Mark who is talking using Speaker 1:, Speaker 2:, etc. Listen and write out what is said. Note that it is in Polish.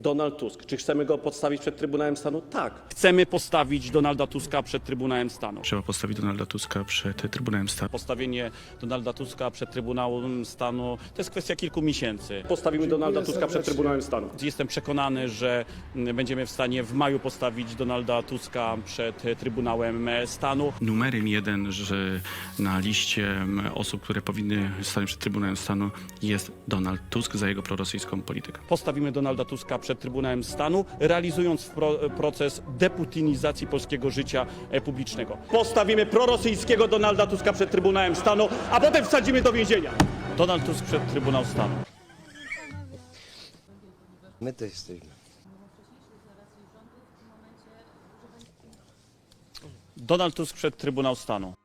Speaker 1: Donald Tusk. Czy chcemy go postawić przed Trybunałem Stanu? Tak.
Speaker 2: Chcemy postawić Donalda Tuska przed Trybunałem Stanu.
Speaker 3: Trzeba postawić Donalda Tuska przed Trybunałem Stanu.
Speaker 2: Postawienie Donalda Tuska przed Trybunałem Stanu to jest kwestia kilku miesięcy.
Speaker 1: Postawimy Donalda Tuska przed Trybunałem Stanu.
Speaker 2: Jestem przekonany, że będziemy w stanie w maju postawić Donalda Tuska przed Trybunałem Stanu.
Speaker 3: Numerem jeden, że na liście osób, które powinny stanąć przed Trybunałem Stanu jest Donald Tusk za jego prorosyjską politykę.
Speaker 2: Postawimy Donalda Tuska przed Trybunałem Stanu, realizując proces deputinizacji polskiego życia publicznego.
Speaker 1: Postawimy prorosyjskiego Donalda Tuska przed Trybunałem Stanu, a potem wsadzimy do więzienia.
Speaker 2: Donald Tusk przed Trybunał Stanu.
Speaker 4: My to jesteśmy.
Speaker 2: Donald Tusk przed Trybunał Stanu.